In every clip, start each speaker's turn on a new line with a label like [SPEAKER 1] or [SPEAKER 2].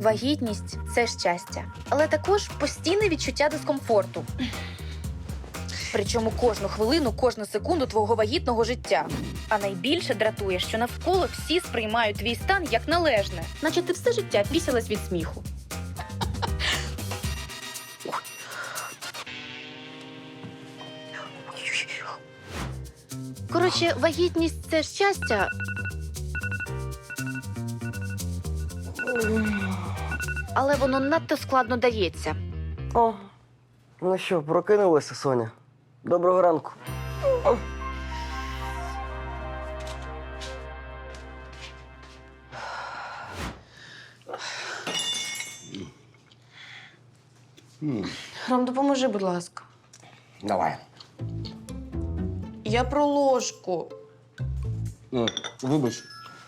[SPEAKER 1] Вагітність – це щастя, але також постійне відчуття дискомфорту. Причому кожну хвилину, кожну секунду твого вагітного життя. А найбільше дратує, що навколо всі сприймають твій стан як належне, наче ти все життя пісялась від сміху. Коротше, вагітність – це щастя. Але воно надто складно дається.
[SPEAKER 2] О, ну що, прокинулася, Соня? Доброго ранку.
[SPEAKER 3] Ром, допоможи, будь ласка.
[SPEAKER 4] Давай.
[SPEAKER 3] Я про ложку.
[SPEAKER 4] Вибач.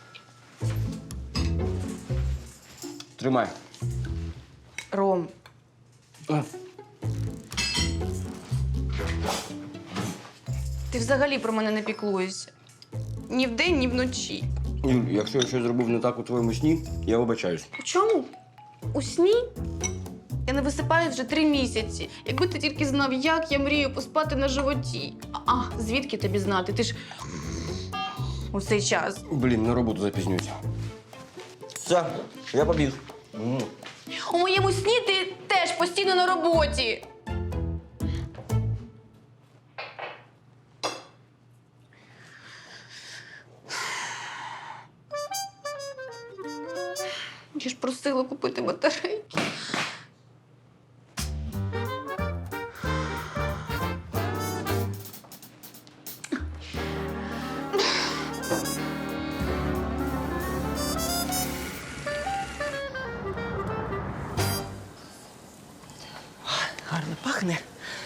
[SPEAKER 4] Тримай.
[SPEAKER 3] Ром. Ти взагалі про мене не піклуєшся. Ні вдень, ні вночі.
[SPEAKER 4] Юль, якщо я щось зробив не так у твоєму сні, я вибачаюсь.
[SPEAKER 3] У чому? У сні? Я не висипаю вже 3 місяці. Якби ти тільки знав, як я мрію поспати на животі. Звідки тобі знати? Ти ж у цей час.
[SPEAKER 4] Блін, на роботу запізнююся. Все, я побіг.
[SPEAKER 3] У моєму сні ти теж постійно на роботі. Я ж просила купити батарейки.
[SPEAKER 5] Гарно пахне.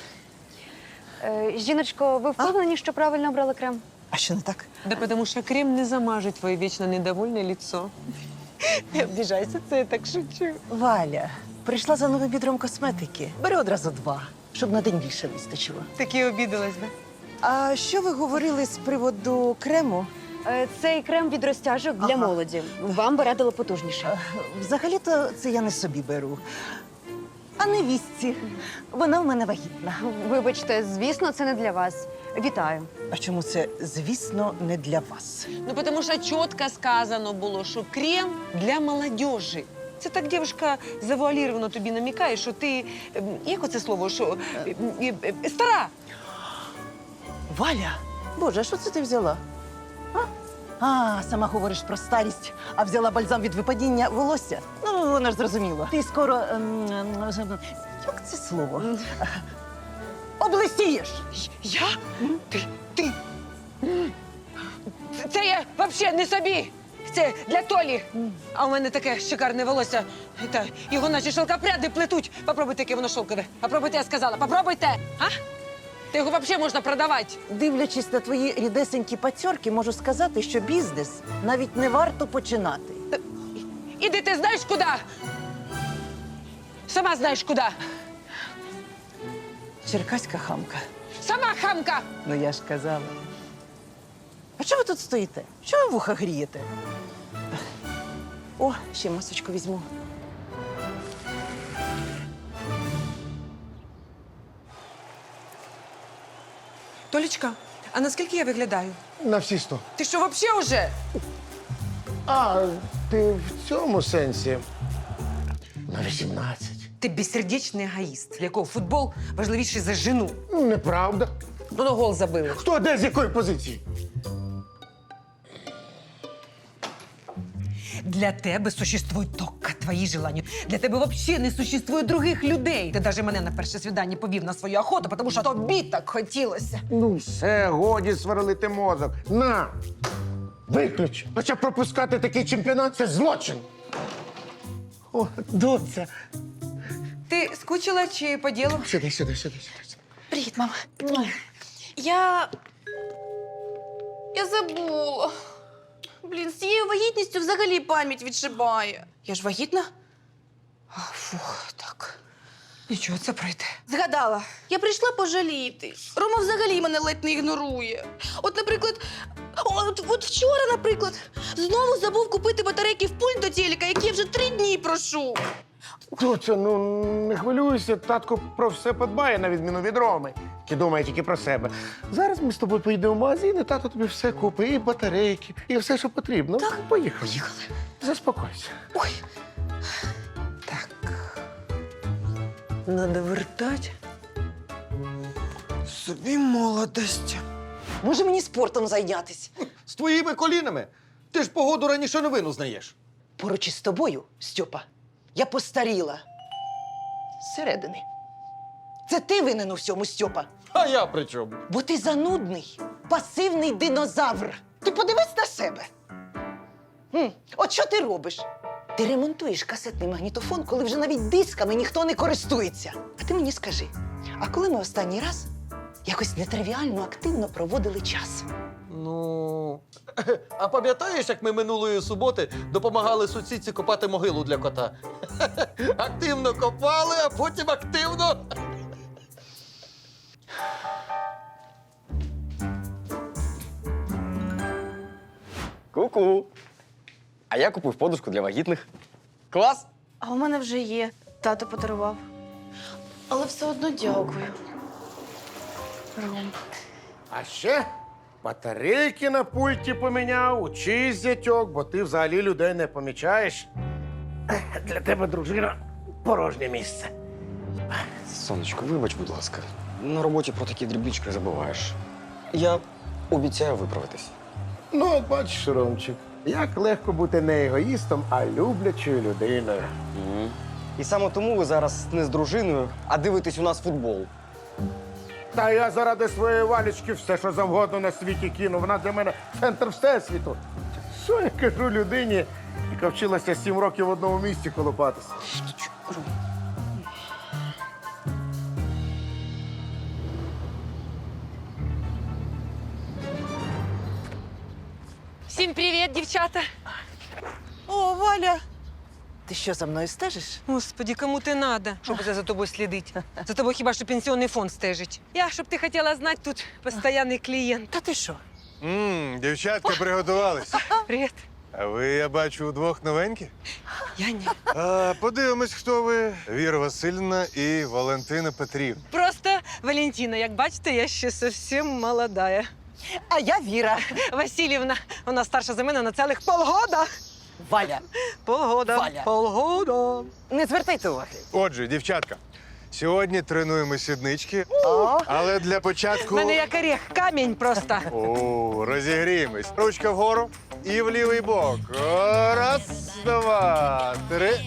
[SPEAKER 6] Жіночко, ви впевнені, що правильно обрали крем?
[SPEAKER 5] А що не так?
[SPEAKER 7] Да потому что крем не замажет твое вечно недовольное лицо. Не обижайся, це я так шучу.
[SPEAKER 5] Валя, прийшла за новим відром косметики. Бери одразу 2, щоб на день більше вистачило.
[SPEAKER 7] Так і обідалась, да?
[SPEAKER 5] А що ви говорили з приводу крему?
[SPEAKER 6] Цей крем від розтяжок для
[SPEAKER 5] Ага.
[SPEAKER 6] молоді. Вам би радила потужніше.
[SPEAKER 5] Взагалі-то це я не собі беру, а невістці. Вона в мене вагітна.
[SPEAKER 6] Вибачте, звісно, це не для вас. Вітаю.
[SPEAKER 5] А чому це, звісно, не для вас?
[SPEAKER 7] Ну, потому що чітко сказано було, що крем для молодежи. Це так дівчинка завуаліровано тобі намікає, що ти, як оце слово, що стара.
[SPEAKER 5] Валя, Боже, а що це ти взяла? Сама говориш про старість, а взяла бальзам від випадіння волосся. Ну, вона ж зрозуміла. Ти скоро, як це слово? Облисієш!
[SPEAKER 7] Я? Ти? Це я взагалі не собі. Це для Толі. А у мене таке шикарне волосся. Та його наче шелкопряди плетуть. Попробуйте, яке воно шовкове. Попробуйте, я сказала. Попробуйте. А? Та його взагалі можна продавати.
[SPEAKER 5] Дивлячись на твої рідесенькі пацьорки, можу сказати, що бізнес навіть не варто починати.
[SPEAKER 7] Іди ти знаєш куди? Сама знаєш куди.
[SPEAKER 5] Черкаська хамка.
[SPEAKER 7] Сама хамка.
[SPEAKER 5] Ну, я ж казала. А чого ви тут стоїте? Чого ви вуха грієте? О, ще масочку візьму.
[SPEAKER 7] Толічка, а наскільки я виглядаю?
[SPEAKER 8] На всі 100.
[SPEAKER 7] Ти що, взагалі вже?
[SPEAKER 8] А, ти в цьому сенсі. На 18.
[SPEAKER 7] Ти безсердечний егоїст, для якого футбол важливіший за жену.
[SPEAKER 8] Ну, неправда.
[SPEAKER 7] Ну, гол забили.
[SPEAKER 8] Хто де з якої позиції?
[SPEAKER 7] Для тебе существують тільки твої желання. Для тебе взагалі не существує других людей. Ти навіть мене на перше свідання повів на свою охоту, тому що тобі так хотілося.
[SPEAKER 8] Ну, все, годі сверлити мозок. На! Виключ! Хоча пропускати такий чемпіонат – це злочин. О, доця.
[SPEAKER 7] Ти скучила чи по ділу?
[SPEAKER 8] Сюди.
[SPEAKER 3] Привіт, мама. Я забула. Блін, з цією вагітністю взагалі пам'ять відшибає. Я ж вагітна? Фух, так.
[SPEAKER 7] Нічого, це пройде.
[SPEAKER 3] Згадала, я прийшла пожаліти. Рома взагалі мене ледь не ігнорує. От, наприклад, от вчора, наприклад, знову забув купити батарейки в пульт до телека, які я вже 3 дні прошу.
[SPEAKER 8] Доця, ну не хвилюйся, татко про все подбає, на відміну від Роми, який думає тільки про себе. Зараз ми з тобою поїдемо в магазин, і тато тобі все купить, і батарейки, і все, що потрібно. Так, поїхали. Поїхали. Заспокойся.
[SPEAKER 3] Ой,
[SPEAKER 7] Надо вертать собі молодость.
[SPEAKER 5] Може мені спортом зайнятися?
[SPEAKER 4] З твоїми колінами. Ти ж погоду раніше новину знаєш.
[SPEAKER 5] Поруч із тобою, Стьопа, я постаріла. Зсередини. Це ти винен у всьому, Стьопа.
[SPEAKER 4] А я при чому?
[SPEAKER 5] Бо ти занудний, пасивний динозавр. Ти подивись на себе. От що ти робиш? Ти ремонтуєш касетний магнітофон, коли вже навіть дисками ніхто не користується. А ти мені скажи, а коли ми останній раз якось нетривіально активно проводили час?
[SPEAKER 4] Ну. А пам'ятаєш, як ми минулої суботи допомагали сусідці копати могилу для кота? Активно копали, а потім активно.
[SPEAKER 2] Ку-ку. А я купив подушку для вагітних. Клас!
[SPEAKER 3] а у мене вже є. Тато подарував. Але все одно дякую. Ром.
[SPEAKER 8] А ще батарейки на пульті поміняв, учись, зятьок, бо ти взагалі людей не помічаєш. Для тебе, дружина, порожнє місце.
[SPEAKER 2] Сонечко, вибач, будь ласка. На роботі про такі дрібнички забуваєш. Я обіцяю виправитись.
[SPEAKER 8] Ну, от бачиш, Ромчик, як легко бути не егоїстом, а люблячою людиною.
[SPEAKER 2] І саме тому ви зараз не з дружиною, а дивитесь у нас футбол.
[SPEAKER 8] Та я заради своєї Валічки все, що завгодно на світі кину. Вона для мене центр всесвіту. Що я кажу людині, яка вчилася 7 років в одному місці колупатися?
[SPEAKER 7] Всім привіт, дівчата!
[SPEAKER 5] О, Валя! Ти що, за мною стежиш?
[SPEAKER 7] Господи, кому ти надо, щоб за тобою слідить? За тобою хіба що пенсіонний фонд стежить. Я, щоб ти хотіла знати, тут постійний клієнт.
[SPEAKER 5] Та ти що?
[SPEAKER 9] Дівчатка приготувались.
[SPEAKER 7] Привіт.
[SPEAKER 9] А ви, я бачу, удвох новенькі.
[SPEAKER 7] Я ні.
[SPEAKER 9] Подивимось, хто ви. Віра Васильівна і Валентина Петрівна.
[SPEAKER 7] Просто Валентина, як бачите, я ще зовсім молодая.
[SPEAKER 5] А я Віра.
[SPEAKER 7] Васильівна, вона старша за мене на цілих полгода.
[SPEAKER 5] Валя,
[SPEAKER 7] Полгода.
[SPEAKER 5] Валя.
[SPEAKER 7] Полгода.
[SPEAKER 5] не звертайте уваги.
[SPEAKER 9] Отже, дівчатка, сьогодні тренуємо сіднички, але для
[SPEAKER 7] У
[SPEAKER 9] початку...
[SPEAKER 7] мене як орех, камінь просто.
[SPEAKER 9] О, розігріємось. Ручка вгору і в лівий бок. Раз, два, 3,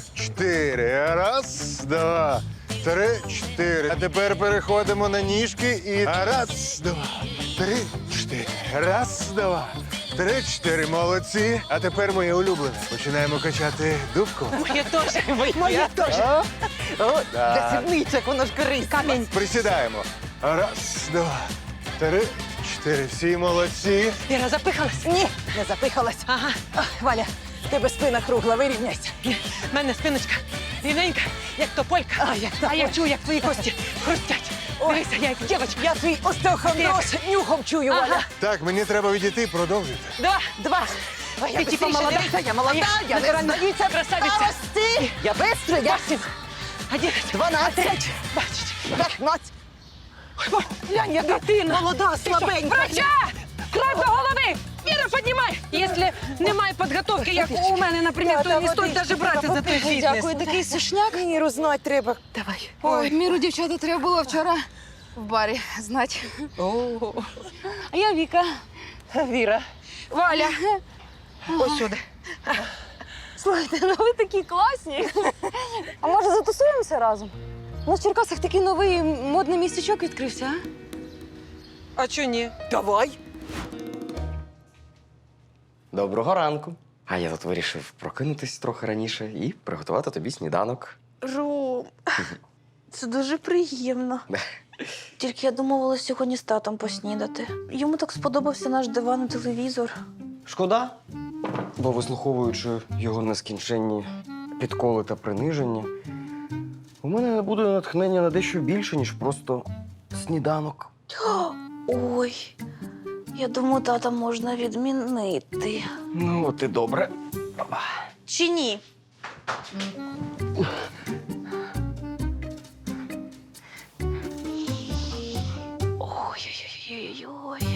[SPEAKER 9] 4. Раз, два, 3, 4. А тепер переходимо на ніжки і раз, два, 3, 4. Раз, два, 3, 4. Молодці. А тепер моє улюблене. Починаємо качати дубку.
[SPEAKER 7] Моє теж.
[SPEAKER 5] Моє теж. О,
[SPEAKER 9] Да.
[SPEAKER 5] для сідничок, воно ж корисно.
[SPEAKER 7] Камінь.
[SPEAKER 9] Присідаємо. Раз, два, 3, 4. Всі молодці.
[SPEAKER 7] Віра, запихалась?
[SPEAKER 5] Ні, не запихалась.
[SPEAKER 7] Ага.
[SPEAKER 5] Ах, Валя, в тебе спина кругла, вирівняйся.
[SPEAKER 7] У мене спиночка рівненька, як тополька. А я чую, як твої кості хрустять. Дивися, я як дівчинка.
[SPEAKER 5] Я твій остеохондроз нюхом чую, Валя.
[SPEAKER 9] Так, мені треба відійти, продовжуйте.
[SPEAKER 7] Два.
[SPEAKER 5] Ой,
[SPEAKER 7] Ти типа молода.
[SPEAKER 5] Я молода, я не
[SPEAKER 7] натуральна
[SPEAKER 5] здаюся.
[SPEAKER 7] красавиця.
[SPEAKER 5] Старости. Я бистро, я
[SPEAKER 7] 11,
[SPEAKER 5] 12,
[SPEAKER 7] 20.
[SPEAKER 5] 15. Глянь, я
[SPEAKER 7] Дитина.
[SPEAKER 5] молода, слабенька.
[SPEAKER 7] Врача! Кров до голови! Віра, піднімай! Якщо немає підготовки, як у мене, наприклад, то не стоїть навіть брати за той фітнес.
[SPEAKER 5] Дякую, такий сушняк. Міру знати треба.
[SPEAKER 7] Давай.
[SPEAKER 3] Ой, міру, дівчата, треба було вчора в барі знати. А я Віка.
[SPEAKER 5] Віра.
[SPEAKER 7] Валя. Ось сюди.
[SPEAKER 6] Слухайте, ну ви такі класні. А може затусуємося разом? У нас в Черкасах такий новий модний містечок відкрився, а?
[SPEAKER 7] А чого ні?
[SPEAKER 5] Давай.
[SPEAKER 2] Доброго ранку. А я тут вирішив прокинутись трохи раніше і приготувати тобі сніданок.
[SPEAKER 1] Ром, це дуже приємно. Тільки я домовилась сьогодні з татом поснідати. Йому так сподобався наш диван і телевізор.
[SPEAKER 2] Шкода, бо вислуховуючи його нескінченні підколи та приниження, У мене буде натхнення на дещо більше, ніж просто сніданок.
[SPEAKER 1] Ой, я думаю, тата можна відмінити.
[SPEAKER 2] Ну, от і добре.
[SPEAKER 1] Чи ні? Ой-ой-ой-ой-ой.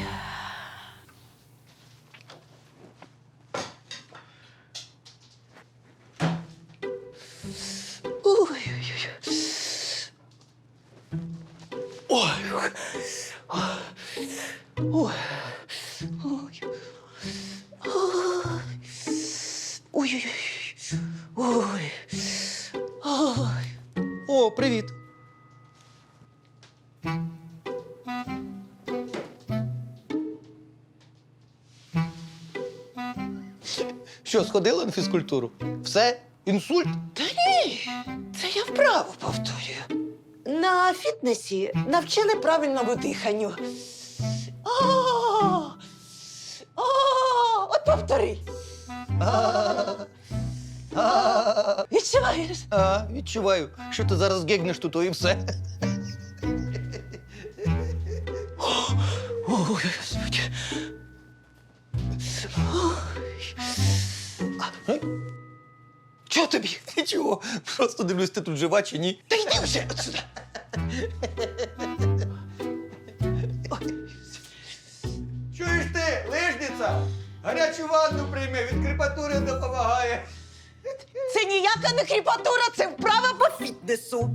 [SPEAKER 4] О, привіт. Що, сходила на фізкультуру? Все? Інсульт?
[SPEAKER 5] Це я вправо повторюю. На фітнесі навчили правильному диханню. От повтори. Відчуваєш?
[SPEAKER 4] Відчуваю, що ти зараз гегнеш тут, і все. Ой, Господи. Чого тобі? Нічого. Просто дивлюсь, ти тут жива чи ні.
[SPEAKER 5] Та йди вже отсюди.
[SPEAKER 4] Чуєш ти, лижниця? Гарячу ванну прийми, від крепатури допомагає.
[SPEAKER 5] Це ніяка не кріпатура, це вправа по фітнесу.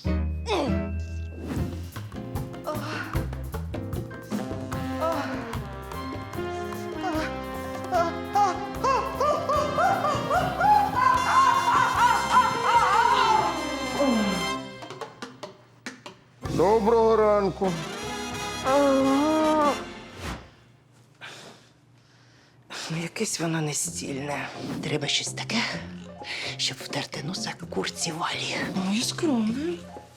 [SPEAKER 8] Доброго ранку.
[SPEAKER 5] Якесь воно нестільне. Треба щось таке, щоб втерти носа курці Валі. Ну, і скромно.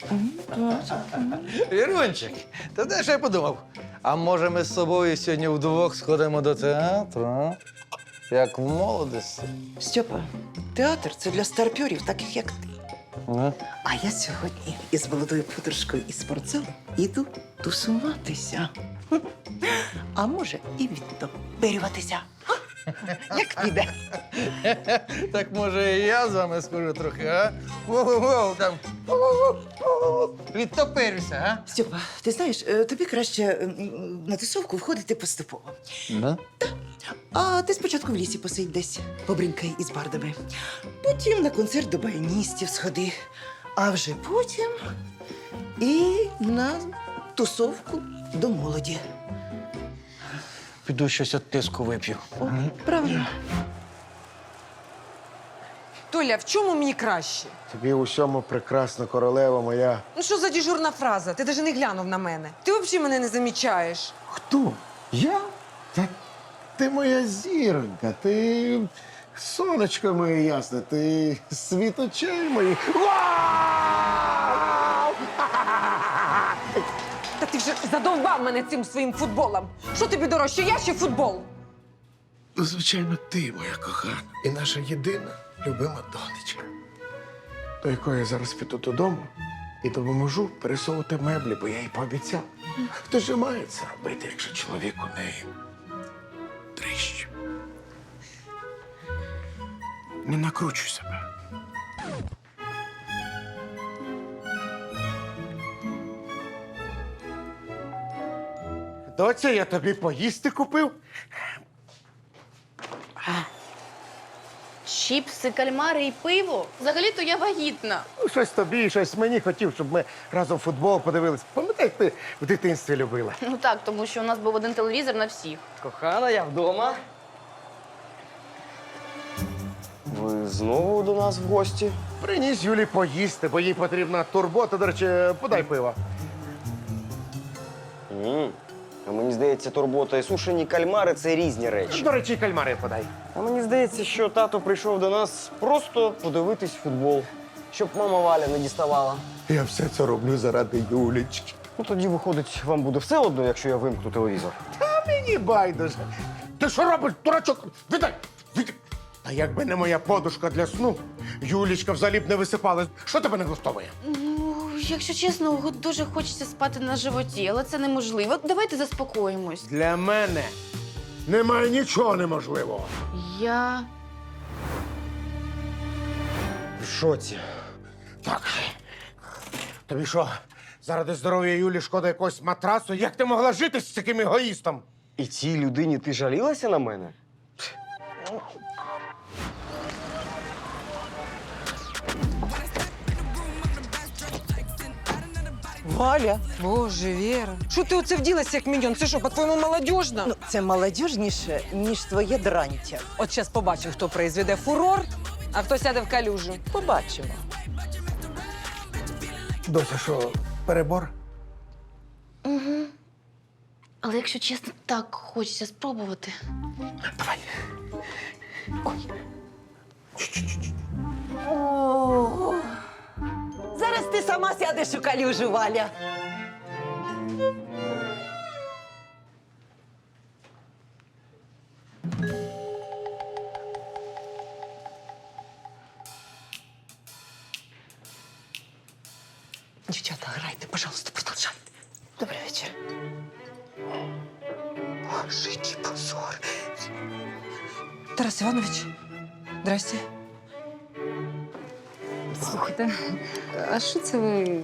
[SPEAKER 4] Вірунчик, ти знаєш, що я подумав? А може ми з собою сьогодні вдвох сходимо до театру, а? Як в молодості.
[SPEAKER 5] Стьопа, театр це для старпьорів, таких як ти.
[SPEAKER 4] А?
[SPEAKER 5] А я сьогодні із молодою подружкою із спортзалу іду тусуватися. А може, і відтоперюватися. Як піде?
[SPEAKER 4] Так може і я з вами схожу трохи, а? Воу-воу, там. Воу-воу-воу. Відтопирюся, а?
[SPEAKER 5] Стьопа, ти знаєш, тобі краще на тусовку входити поступово.
[SPEAKER 4] Да?
[SPEAKER 5] А ти спочатку в лісі посидь десь, побринкай із бардами. Потім на концерт до баяністів сходи. А вже потім і на тусовку до молоді.
[SPEAKER 4] Піду щось від тиску вип'ю.
[SPEAKER 5] Правильно.
[SPEAKER 7] Толя, в чому мені краще?
[SPEAKER 8] Тобі у всьому прекрасна королева моя.
[SPEAKER 7] Ну що за дежурна фраза? Ти навіть не глянув на мене. Ти взагалі мене не замічаєш.
[SPEAKER 8] Хто? Я? Та ти моя зіронька, ти сонечко моє ясне, ти світ очей моїх. Вау!
[SPEAKER 7] Та ти вже задовбав мене цим своїм футболом. Що тобі дорожче, я чи футбол?
[SPEAKER 8] Ну, звичайно, ти, моя кохана, і наша єдина любима донечка, до якої я зараз піду додому і допоможу пересовувати меблі, бо я їй пообіцяв. Хто ж має це робити, якщо чоловік у неї дрищ? Не накручуй себе. Доця, я тобі поїсти купив.
[SPEAKER 3] Чіпси, кальмари і пиво. Взагалі-то я вагітна.
[SPEAKER 8] Ну, щось тобі, щось мені хотів, щоб ми разом футбол подивились. Пам'ятаєш, ти в дитинстві любила?
[SPEAKER 3] Ну так, тому що у нас був один телевізор на всіх.
[SPEAKER 2] Кохана, я вдома. Ви знову до нас в гості?
[SPEAKER 8] Приніс Юлі поїсти, бо їй потрібна турбота. До речі, подай пива.
[SPEAKER 2] А мені здається, турбота і сушені кальмари це різні речі.
[SPEAKER 8] До речі, кальмари подай.
[SPEAKER 2] А мені здається, що тато прийшов до нас просто подивитись футбол, щоб мама Валя не діставала.
[SPEAKER 8] Я все це роблю заради Юлічки.
[SPEAKER 2] Ну тоді, виходить, вам буде все одно, якщо я вимкну телевізор.
[SPEAKER 8] А мені байдуже. Ти що робиш, дурачок? Віддай! Віддай! Та якби не моя подушка для сну, Юлічка взагалі б не висипалась. Що тебе не влаштовує?
[SPEAKER 3] Ну, якщо чесно, дуже хочеться спати на животі, але це неможливо. Давайте заспокоїмось.
[SPEAKER 8] Для мене немає нічого неможливого.
[SPEAKER 3] Я.
[SPEAKER 2] В шоці.
[SPEAKER 8] Так. Тобі що, заради здоров'я Юлі шкода якогось матрасу? Як ти могла жити з таким егоїстом?
[SPEAKER 2] І цій людині ти жалілася на мене?
[SPEAKER 5] Валя,
[SPEAKER 7] Боже, Віра. Що ти оце вділася, як міньон? Це що, по-твоєму, молодіжно?
[SPEAKER 5] ну це молодіжніше, ніж твоє дрантя.
[SPEAKER 7] От зараз побачу, хто произведе фурор, а хто сяде в калюжу.
[SPEAKER 5] Побачимо.
[SPEAKER 8] Дося, що, перебор?
[SPEAKER 3] Але якщо чесно, так хочеться спробувати.
[SPEAKER 8] Давай.
[SPEAKER 5] О, зараз ти сама сядеш у калюжу, Валя.
[SPEAKER 7] Дівчата, грайте, пожалуйста, продовжайте.
[SPEAKER 5] Добрий вечір.
[SPEAKER 7] Боже, який позор. Тарас Іванович, здрасте.
[SPEAKER 6] Слухайте, а що це ви?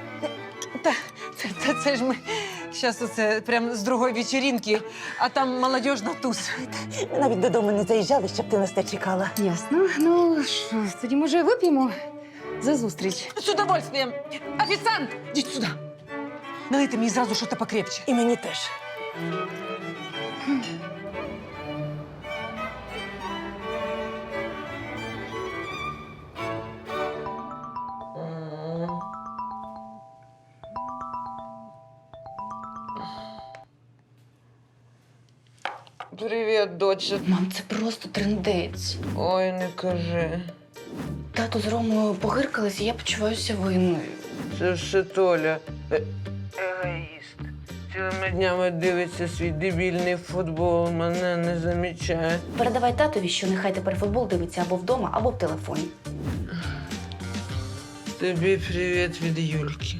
[SPEAKER 7] Це ж ми зараз оце прям з другої вечеринки, а там молодіжна туз.
[SPEAKER 5] Ми навіть додому не заїжджали, щоб ти нас не чекала.
[SPEAKER 6] Ясно. Ну що, тоді може вип'ємо за зустріч.
[SPEAKER 7] З удовольствием. Офіціант, йдіть сюди. Налийте мені зразу щось покрепче.
[SPEAKER 5] І мені теж.
[SPEAKER 7] Привіт, доча.
[SPEAKER 3] Мам, це просто трындець.
[SPEAKER 7] Ой, не кажи.
[SPEAKER 3] Тато з Ромою погиркались, і я почуваюся винною.
[SPEAKER 10] Це все Толя. Егоїст. Цілими днями дивиться свій дебільний футбол, мене не замічає.
[SPEAKER 1] Передавай татові, що нехай тепер футбол дивиться або вдома, або в телефоні.
[SPEAKER 10] Тобі привіт від Юльки.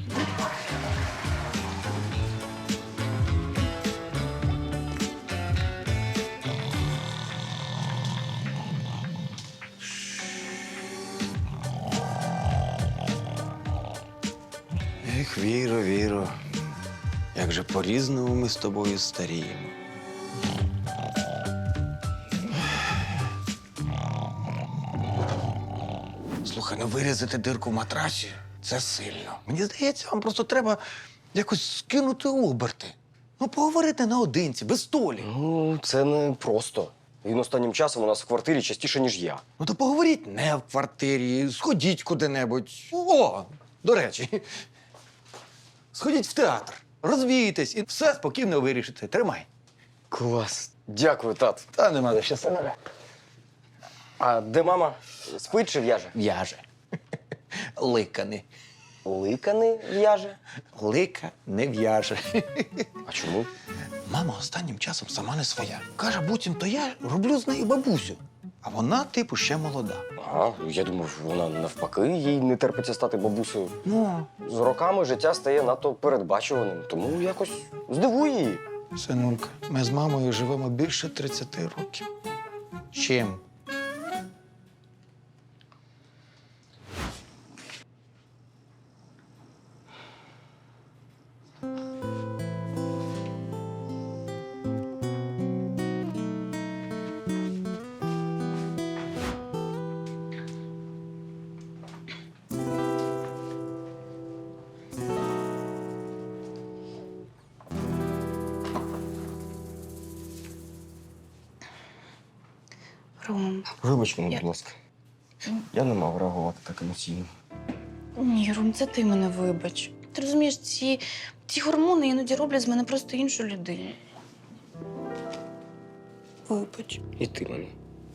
[SPEAKER 2] Ех, Віро, Віро, як же по-різному ми з тобою старіємо. Слухай, ну вирізати дирку в матрасі – це сильно. Мені здається, вам просто треба якось скинути оберти. Ну, поговорити наодинці, без Толі.
[SPEAKER 11] Ну, це не просто. Він останнім часом у нас в квартирі частіше, ніж я.
[SPEAKER 2] Ну, то поговоріть не в квартирі, сходіть куди-небудь. О, до речі, сходіть в театр, розвійтесь і все спокійно вирішите. Тримай.
[SPEAKER 11] Клас. Дякую, тат.
[SPEAKER 2] Та нема де щас.
[SPEAKER 11] А де мама? Спить чи в'яже?
[SPEAKER 2] В'яже. Лика
[SPEAKER 11] Ликаний в'яже.
[SPEAKER 2] Лика не в'яже.
[SPEAKER 11] А чому?
[SPEAKER 2] Мама останнім часом сама не своя. Каже, буцімто я роблю з нею бабусю. А вона, типу, ще молода.
[SPEAKER 11] Ага, я думав, вона навпаки, їй не терпиться стати бабусею.
[SPEAKER 2] Ну,
[SPEAKER 11] З роками життя стає надто передбачуваним, тому якось здивуй її.
[SPEAKER 2] синулька, ми з мамою живемо більше 30 років. Чим?
[SPEAKER 3] Ром.
[SPEAKER 11] Вибач мене, будь ласка. Я не мав реагувати так емоційно.
[SPEAKER 3] Ні, Ром, це ти мене вибач. Ти розумієш, ці гормони іноді роблять з мене просто іншу людину. Вибач.
[SPEAKER 11] І ти мене.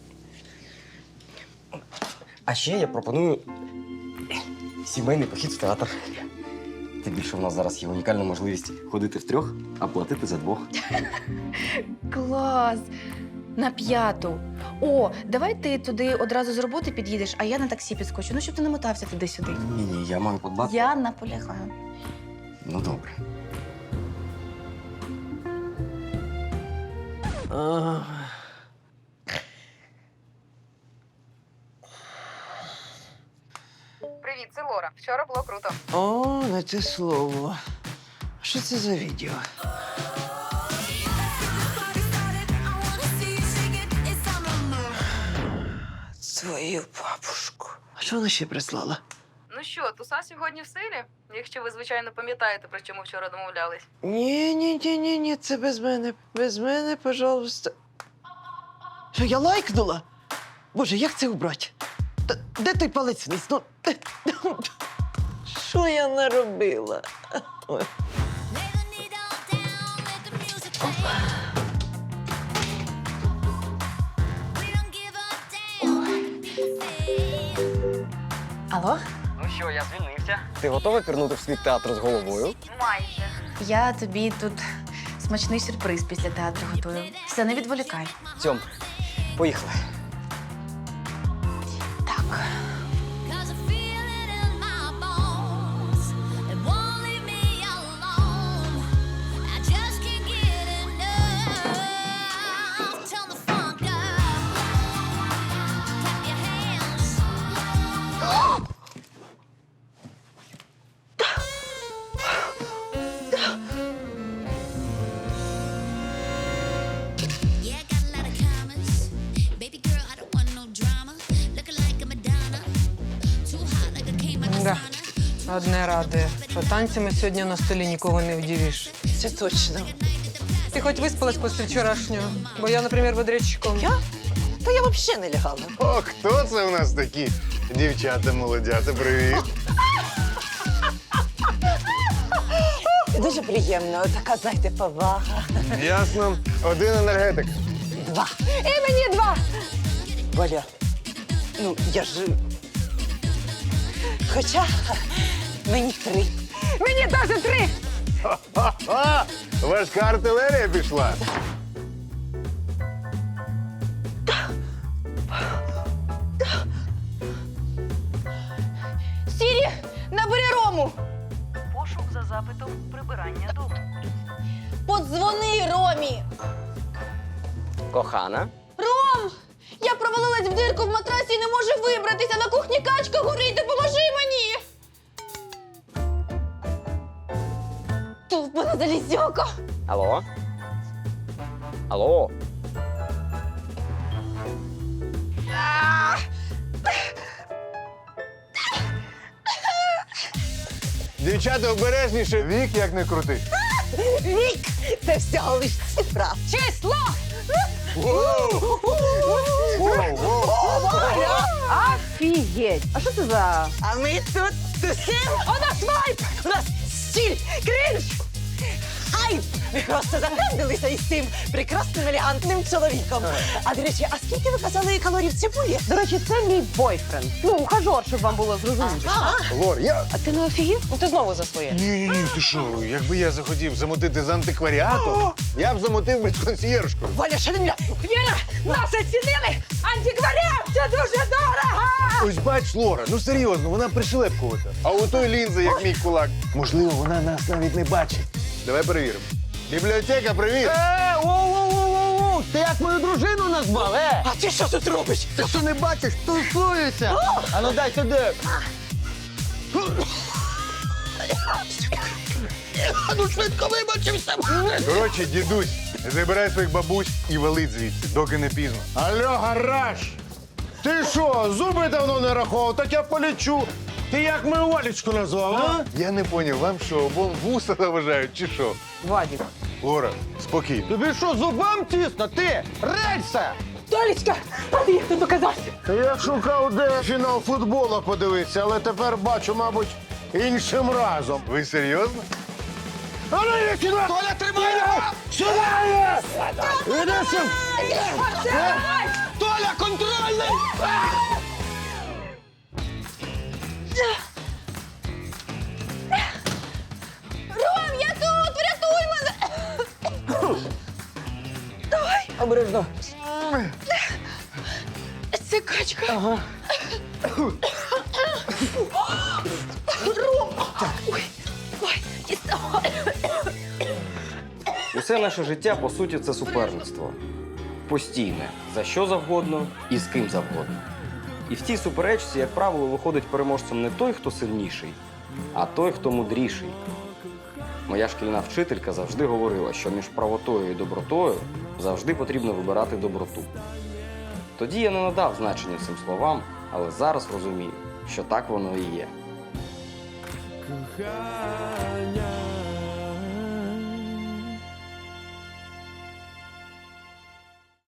[SPEAKER 11] А ще я пропоную сімейний похід в театр. Тим більше в нас зараз є унікальна можливість ходити втрьох, а платити за двох.
[SPEAKER 3] Клас!
[SPEAKER 1] На 5-ту. О, давай ти туди одразу з роботи під'їдеш, а я на таксі підскочу. Ну, щоб ти не мотався туди-сюди.
[SPEAKER 11] Ні, я маю подбати.
[SPEAKER 1] Я наполягаю.
[SPEAKER 11] Ну добре.
[SPEAKER 1] Привіт, це Лора. Вчора було круто.
[SPEAKER 10] О, не те слово. Що це за відео? Твою бабушку. А що вона ще прислала?
[SPEAKER 12] Ну що, туса сьогодні в силі? Якщо ви, звичайно, пам'ятаєте, про що ми вчора домовлялись.
[SPEAKER 10] Ні, це без мене. Без мене, пожалуйста. Що, я лайкнула? Боже, як це убрати? Де той палець вниз? Ну, що я наробила? Ой.
[SPEAKER 1] Алло?
[SPEAKER 11] Ну що, я звільнився. Ти готова пірнути в світ театру з головою?
[SPEAKER 1] Майже. Я тобі тут смачний сюрприз після театру готую. Все, не відволікай.
[SPEAKER 11] Цьом, поїхали.
[SPEAKER 1] Так.
[SPEAKER 7] Да. Одне радує, що танцями сьогодні на столі нікого не вдівиш.
[SPEAKER 10] Це точно.
[SPEAKER 7] Ти хоч виспалась після вчорашнього? Бо я, наприклад, бодрячком.
[SPEAKER 10] Я? Та я взагалі не лягала.
[SPEAKER 9] О, хто це у нас такі? Дівчата, молодята, привіт.
[SPEAKER 5] Дуже приємно, така, знаєте, повага.
[SPEAKER 9] Ясно. Один енергетик.
[SPEAKER 5] 2.
[SPEAKER 7] І мені 2!
[SPEAKER 5] Валя, ну я ж. Хоча мені 3.
[SPEAKER 7] Мені теж 3!
[SPEAKER 9] Ха-ха! Важка артилерія пішла.
[SPEAKER 3] Сірі, набери Рому!
[SPEAKER 12] Пошук за запитом прибирання дому.
[SPEAKER 3] Подзвони Ромі!
[SPEAKER 11] Кохана.
[SPEAKER 3] Ром! Я провалилась в дирку в матрасі і не можу вибратися. На кухні качка горить, допоможи мені! Тупана залізяка!
[SPEAKER 11] Алло? Алло?
[SPEAKER 9] Дівчата, обережніше. Вік, як не крути.
[SPEAKER 5] Вік! Це всього лиш цифра.
[SPEAKER 7] Число! Офігеть! А що це за...
[SPEAKER 5] А ми тут тусим.
[SPEAKER 7] У нас вайп!
[SPEAKER 5] У нас стіль, кринж, хайп. Ми просто зафрендилися із цим прекрасним, елегантним чоловіком. А, до речі, а скільки ви казали калорій в цибулі?
[SPEAKER 6] До речі, це мій бойфренд. Ну, ухажор, щоб вам було зрозуміло.
[SPEAKER 9] Лор,
[SPEAKER 6] А ти не офігів? Ну ти знову за своє.
[SPEAKER 9] Ні, ти що, якби я захотів замотити з антикваріатом, я б замотив би з консьєржкою.
[SPEAKER 5] Валя, що не мене?
[SPEAKER 7] Віра, нас оцінили! Антикваріат! Це дуже дорого!
[SPEAKER 9] Ось бач, Лора, ну серйозно, вона пришелепкувата. А у той лінза, як мій кулак. Можливо, вона нас навіть не бачить. Давай перевіримо. Бібліотека, привіт!
[SPEAKER 4] Воу-воу-воу-воу! Ти як мою дружину назвав,
[SPEAKER 5] А ти що тут робиш?
[SPEAKER 4] Ти що не бачиш? Тусується! А ну дай сюди! А ну швидко вибачився!
[SPEAKER 9] Коротше, дідусь, забирай своїх бабусь і валить звідси, доки не пізно.
[SPEAKER 8] Алло, гараж! Ти що, зуби давно не рахував, так я полічу. Ти як мою Валечку назвав, а?
[SPEAKER 9] Я не поняв, вам що, обом вуса заважають чи що?
[SPEAKER 7] Вадік.
[SPEAKER 9] Лора, спокійно.
[SPEAKER 4] Тобі що, зубам тісно? Ти! Рельса!
[SPEAKER 7] Толічка, а ти як тут оказався?
[SPEAKER 8] Я шукав, де фінал футболу подивитися, але тепер бачу, мабуть, іншим разом.
[SPEAKER 9] Ви серйозно?
[SPEAKER 8] А ну йди сюди!
[SPEAKER 4] Толя, тримай його!
[SPEAKER 8] Сюди! Іди сюди!
[SPEAKER 4] Толя, контрольний!
[SPEAKER 3] Ром, я тут! Врятуй мене!
[SPEAKER 7] Обережно.
[SPEAKER 3] Це качка.
[SPEAKER 11] Ага. Усе наше життя, по суті, це суперництво. Постійне. За що завгодно і з ким завгодно. І в цій суперечці, як правило, виходить переможцем не той, хто сильніший, а той, хто мудріший. Моя шкільна вчителька завжди говорила, що між правотою і добротою завжди потрібно вибирати доброту. Тоді я не надав значення цим словам, але зараз розумію, що так воно і є.
[SPEAKER 13] Кохання